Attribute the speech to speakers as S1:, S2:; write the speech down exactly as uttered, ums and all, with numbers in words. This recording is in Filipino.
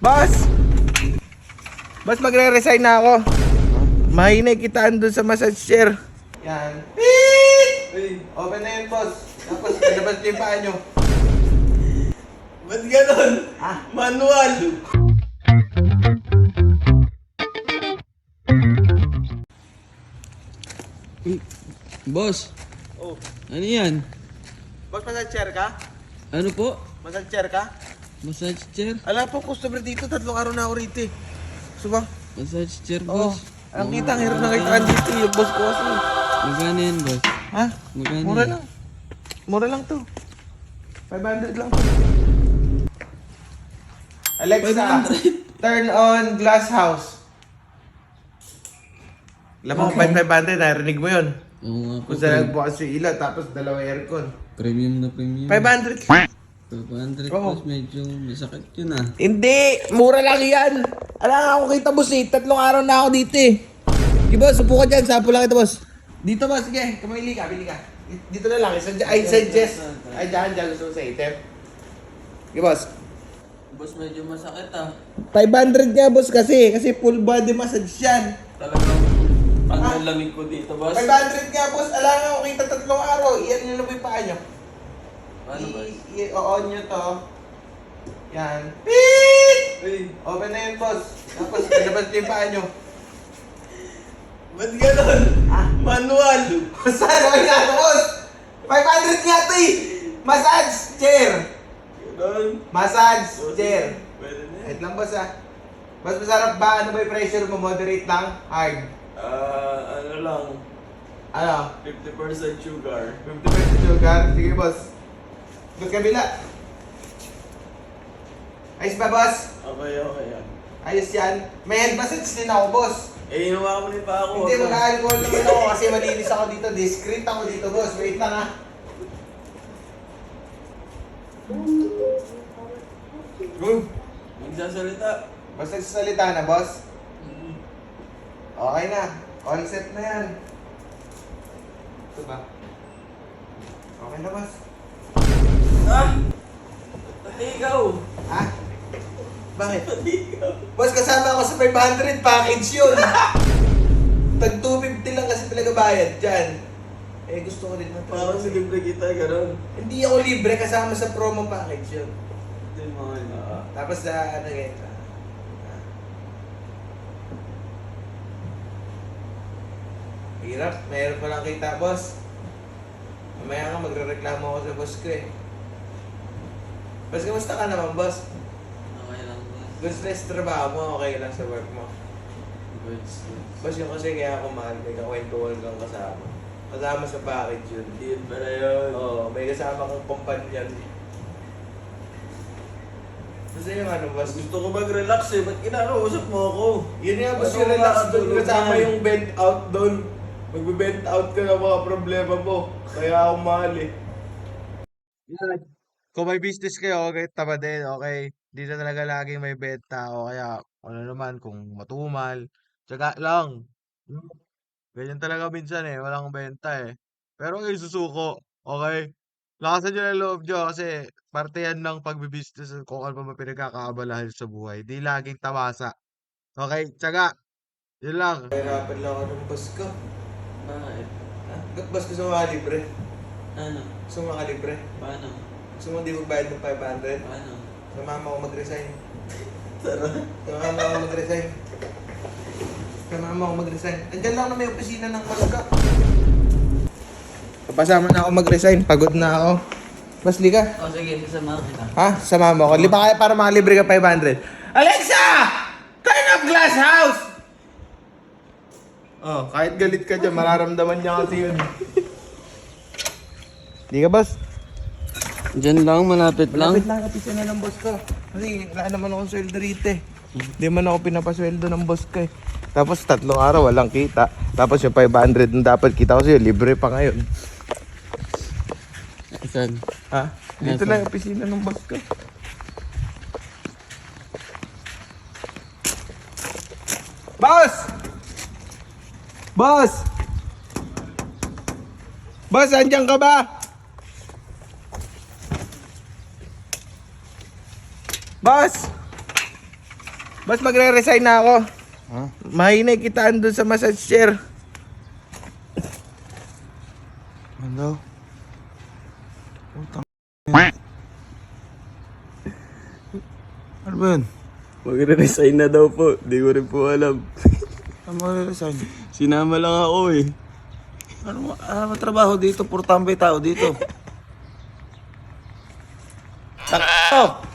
S1: Boss! Boss, magre-resign na ako. Mahinay kitaan dun sa massage chair. Yan. Beep!
S2: Uy,
S1: Open na yun, boss. Tapos, pinabas niyo yung paa nyo.
S2: ba't ganon?
S1: Ah.
S2: Manual!
S3: Uy, boss,
S1: Oh.
S3: ano yan?
S1: Boss, massage chair ka?
S3: Ano po?
S1: Massage chair ka?
S3: Massage chair?
S1: Ala po, customer dito. Tatlong araw na ako rito eh. Gusto ba?
S3: Massage chair,
S1: Oo.
S3: boss.
S1: Ang kita, ang hirap na kitaan dito yung boss ko kasi.
S3: Magkano yan, boss?
S1: Ha?
S3: Magkano
S1: Mura
S3: yan?
S1: lang. Mura lang to. five hundred lang to. Alexa,
S3: five hundred?
S1: turn on glass house. Alam mo, okay. five hundred, narinig mo yun.
S3: Oo nga po.
S1: Kung saan nagbukas yung ilaw, tapos dalawa aircon.
S3: Premium na premium.
S1: five hundred.
S3: five hundred,
S1: Oo.
S3: boss. Medyo masakit yun ah.
S1: Hindi! Mura lang yan! Alam nga ako kita, boss eh. Tatlong araw na ako dito eh. Sige, boss. Upo ka dyan. Sampo lang ito, boss. Dito, boss. Sige. Kamili ka. Bili ka. Dito na lang. I suggest. Ay, dyan. Dyan. Gusto mo sa item. Sige, boss.
S3: Boss, medyo masakit ah.
S1: five hundred nga, boss, kasi. Kasi full body massage yan.
S3: Talagang panglalamig ko dito, boss.
S1: five hundred nga, boss. Alam nga ako kita tatlong araw. Iyan nyo na po yung paa nyo.
S3: Paano, boss?
S1: I- I-on nyo to. Yan. Beep!
S2: Uy,
S1: Open na yun, boss. Tapos, pinabas nyo yung paa nyo.
S2: ba't ganon?
S1: Ah.
S2: Manual!
S1: Saan ako nga ito, boss? five hundred nga ito eh! Massage chair!
S2: Ganon.
S1: Massage chair!
S2: Pwede na yan.
S1: Wait lang, boss ah. Mas masarap ba? Ano ba yung pressure mo? Moderate lang? Hard?
S2: Ah, ano lang,
S1: Ano?
S2: fifty percent sugar.
S1: fifty percent sugar? Sige, boss. Doon kabila. Ayos ba, boss?
S2: Okay, okay yan.
S1: Ayos yan. May hand massage din ako, boss.
S2: Eh, inuwa ko rin pa ako.
S1: Hindi, mag-alcohol naman ako kasi malinis ako dito. Discreet ako dito, boss. Wait lang ah. Uy!
S2: Magsasalita.
S1: Basta salita na, boss. Okay na. Concept na yan. Ito ba? Okay na, boss.
S2: Ah! Pati ikaw!
S1: Ha? Bakit?
S2: Pati ikaw!
S1: Boss, kasama ako sa five hundred package yun. Tag two fifty lang kasi talaga bayad dyan. Eh, gusto ko rin na
S2: Parang si libre kita, ganon.
S1: Hindi ako libre kasama sa promo package yun.
S2: Hindi mo nga.
S1: Tapos sa ano ganyan. ah. Hirap, mayroon pa lang kita, boss. Mamaya nga magre-reklamo ako sa boss ko eh. Boss, kamusta ka naman, boss?
S3: Okay lang, boss.
S1: Good stress trabaho mo, okay lang sa work mo.
S3: Goods.
S1: Boss, yung kasi kaya ako mahal, may kakwentuhan kang kasama. Kasama sa package yun.
S2: Hindi yun pala yun.
S1: Oo, may kasama kang companion. Basta yung ano, boss?
S2: Gusto ko mag-relax eh. Ba't kinakausap mo ako?
S1: Yun nga, boss,
S2: Ano
S1: yung relax
S2: ba,
S1: doon.
S2: tulog
S1: Kasama
S2: yan?
S1: yung bent out doon. Magbe-bent out ka ng mga problema mo. Kaya ako mahal eh. Yan. Kung may business kayo, okay, tama din, okay. Dito talaga laging may benta o kaya ano naman, kung matumal. Tsaga lang. Ganyan talaga minsan eh, walang benta eh. Pero kayo susuko, okay? Lakasan nyo ng loob nyo kasi parte yan ng pagbibusiness kung ano pa man pinagkakaabalahan sa buhay. Di laging tamasa. Okay, tsaga. Yun lang. Hirapan lang ako ng boss ko.
S3: Bakit?
S1: Ha? Ba't boss gusto mo libre?
S3: Ano?
S1: Gusto mo libre?
S3: Paano?
S1: Gusto mo di magbayad ng five hundred?
S3: Paano?
S1: Sumama ako mag-resign.
S2: Tara.
S1: Sumama ako mag-resign. Sumama ako mag-resign. Andyan lang na may opisina ng Malga. Papasama na ako mag-resign. Pagod na ako. Mas ka?
S3: O sige, sasama kita.
S1: Ha? Sama mo ako. Lipa kaya para makalibre ka five hundred. Alexa! Turn off glass house! Oh, kahit galit ka dyan, mararamdaman niya kasi yun. Di ka, boss?
S3: Diyan lang, malapit lang.
S1: Malapit lang kapisa na ng boss ko. Kasi wala naman akong sweldo rito eh. Hindi man ako pinapasweldo ng boss ko eh. Tapos tatlong araw walang kita. Tapos yung five hundred na dapat kita ko sa'yo, libre pa ngayon.
S3: Saan?
S1: Ha? Dito
S3: Yes,
S1: lang yung opisina ng boss ko. Boss! Boss! Boss, andyan ka ba? Boss! Bas magre-resign na ako.
S4: Ha?
S1: Mahinay kitaan doon sa massage chair.
S4: Ano? Putang. Ano ba yun?
S2: Magre-resign na daw po. Di ko rin po alam.
S4: Ano mo resign?
S2: Sinama lang ako eh.
S4: Ano mo? Ah, matrabaho dito. Puro tambay tao dito.